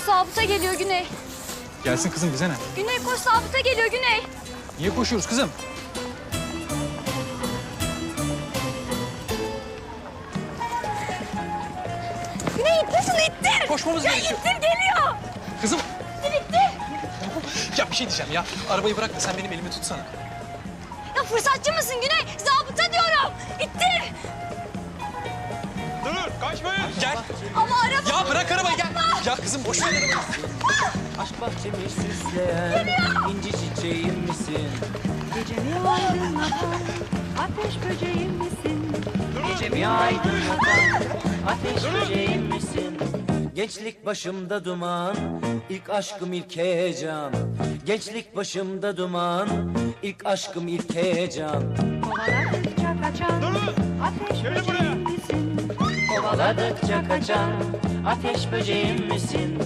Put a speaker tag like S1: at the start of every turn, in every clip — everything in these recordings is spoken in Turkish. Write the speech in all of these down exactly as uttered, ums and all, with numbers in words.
S1: zabıta geliyor Güney.
S2: Gelsin kızım, bize ne?
S1: Güney koş, zabıta geliyor Güney.
S2: Niye koşuyoruz kızım?
S1: Güney ittir şunu, ittir.
S2: Koşmamız
S1: ya
S2: gerekiyor.
S1: ittir, geliyor.
S2: Kızım.
S1: İttir, ittir.
S2: Ya bir şey diyeceğim ya. Arabayı bırak da sen benim elimi tutsana.
S1: Ya fırsatçı mısın Güney? Zabıta diyorum. İttir.
S2: Dur, kaçmayın. Gel.
S1: Ama araba...
S2: Ya bırak arabayı, gel. Ya kızım boş ver arabayı.
S3: Aşk bahçemi süsleyen inci çiçeğim misin?
S4: Gecemi aydınlatan ateş böceğim misin?
S3: Gecemi aydınlatan ateş böceğim misin? Gençlik başımda duman, ilk aşkım ilk heyecan. Gençlik başımda duman, ilk aşkım ilk heyecan.
S4: Kovaladıkça kaçan ateş böceğim misin?
S3: Kovaladıkça kaçan ateş böceğim misin?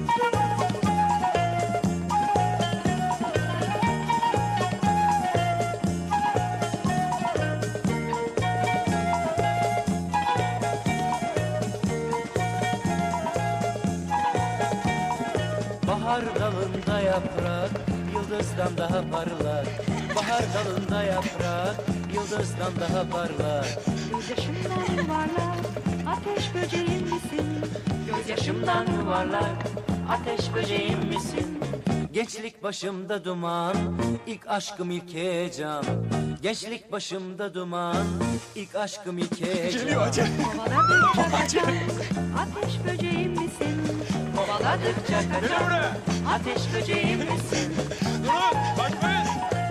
S3: Bahar dalında yaprak, yıldızdan daha parlak. Bahar dalında yaprak, yıldızdan daha parlak.
S4: Gözyaşımdan yuvarlak ateş böceğim misin?
S3: Gözyaşımdan yuvarlak, ateş böceğim misin? Gençlik başımda duman, ilk aşkım ilk heyecan. Gençlik başımda duman, ilk aşkım ilk heyecan.
S2: Geliyor hadi.
S4: Kovaladıkça kaçan ateş böceğim misin?
S3: Kovaladıkça kaçan, ateş böceğim misin?
S2: Durun, kaçmayın.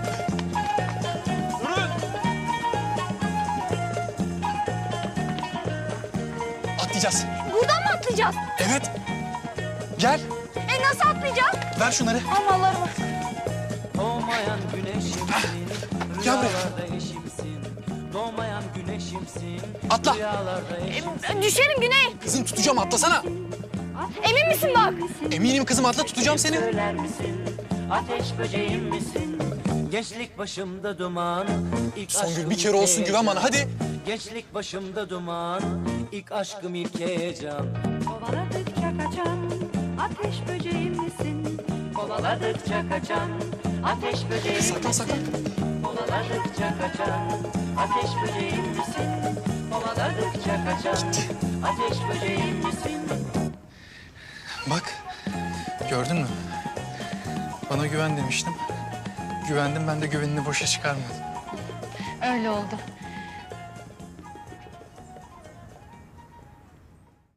S2: Durun. Atlayacağız.
S1: Buradan mı atlayacağız?
S2: Evet. Gel.
S1: E nasıl atlayacağız?
S2: Ver şunları.
S1: Aman Allah'ım.
S3: Doğmayan güneşimsin,
S2: Gel buraya.
S3: rüyalarda eşimsin. Doğmayan güneşimsin,
S2: Atla.
S3: rüyalarda eşimsin.
S1: E, düşerim Güney.
S2: Kızım tutacağım, atlasana.
S1: Emin misin bak?
S2: Eminim kızım, atla, tutacağım seni.
S3: Söyler misin, ateş böceğim misin? Gençlik başımda duman, ilk
S2: Songül,
S3: aşkım
S2: bir kere
S3: ilk
S2: olsun güven bana,
S3: heyecan.
S2: hadi.
S3: Gençlik başımda duman, ilk aşkım ilk heyecan.
S4: Kovaladıkça kaçan ateş böceğim misin?
S3: Kovaladıkça kaçan, ateş böceğim
S2: Saklan,
S3: misin?
S2: saklan.
S3: Kovaladıkça kaçan, ateş böceğim misin? Kovaladıkça kaçan, ateş böceğim misin?
S2: Bak, gördün mü? Bana güven demiştim. Güvendim, ben de güvenini boşa çıkarmadım.
S1: Öyle oldu.